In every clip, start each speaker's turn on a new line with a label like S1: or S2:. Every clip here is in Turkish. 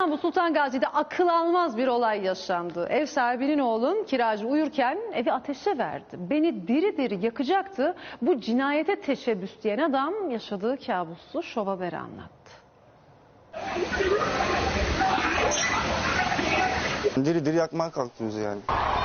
S1: İstanbul Sultan Gazi'de akıl almaz bir olay yaşandı. Ev sahibinin oğlun kiracı uyurken evi ateşe verdi. Beni diri diri yakacaktı. Bu cinayete teşebbüs diyen adam yaşadığı kabusu Şov Haber'e anlattı.
S2: Diri diri yakmaya kalktı bizi yani.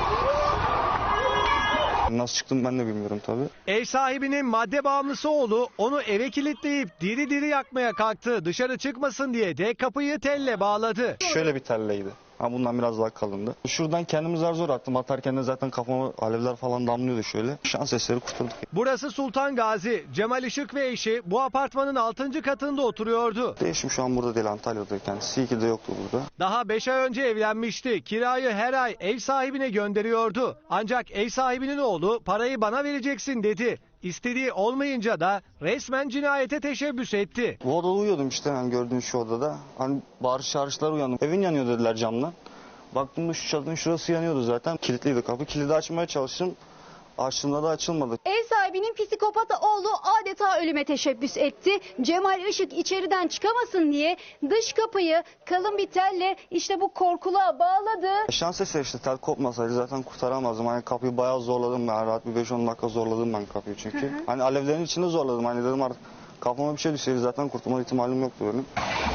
S2: Nasıl çıktım ben de bilmiyorum tabii.
S3: Ev sahibinin madde bağımlısı oğlu onu eve kilitleyip diri diri yakmaya kalktı. Dışarı çıkmasın diye de kapıyı telle bağladı.
S2: Şöyle bir telleydi. Ha, bundan biraz daha kalındı. Şuradan kendimi zar zor attım. Atarken de zaten kafama alevler falan damlıyordu şöyle. Şans eseri kurtulduk.
S3: Burası Sultan Gazi. Cemal Işık ve eşi bu apartmanın 6. katında oturuyordu.
S2: Eşim şu an burada değil, Antalya'da kendisi. İyi ki de yoktu burada.
S3: Daha 5 ay önce evlenmişti. Kirayı her ay ev sahibine gönderiyordu. Ancak ev sahibinin oğlu parayı bana vereceksin dedi. İstediği olmayınca da resmen cinayete teşebbüs etti.
S2: Bu odada uyuyordum işte, yani gördüğün şu odada. Hani bağırış çağrışlar uyandım. Evin yanıyor dediler camdan. Baktım da şu çatının şurası yanıyordu zaten. Kilitliydi kapı. Kilidi açmaya çalıştım. Açtığımda da açılmadı.
S4: Ev sahibinin psikopat oğlu adeta ölüme teşebbüs etti. Cemal Işık içeriden çıkamasın diye dış kapıyı kalın bir telle işte bu korkuluğa bağladı.
S2: Şans eseri işte, tel kopmasaydı zaten kurtaramazdım. Hani kapıyı bayağı zorladım ben. Rahat bir 5-10 dakika zorladım ben kapıyı çünkü. Hani alevlerin içinde zorladım. Hani dedim artık kafama bir şey düşseydi zaten kurtulma ihtimalim yoktu benim.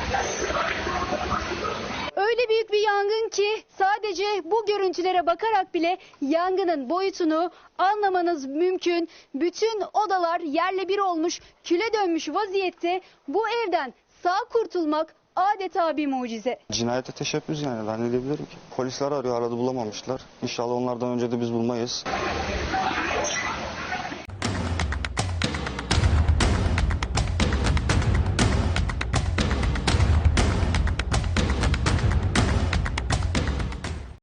S4: Öyle büyük bir yangın ki sadece bu görüntülere bakarak bile yangının boyutunu anlamanız mümkün. Bütün odalar yerle bir olmuş, küle dönmüş vaziyette. Bu evden sağ kurtulmak adeta bir mucize.
S2: Cinayete teşebbüs yani, ben ne diyebilirim ki? Polisler arıyor, aradı bulamamışlar. İnşallah onlardan önce de biz bulmayız.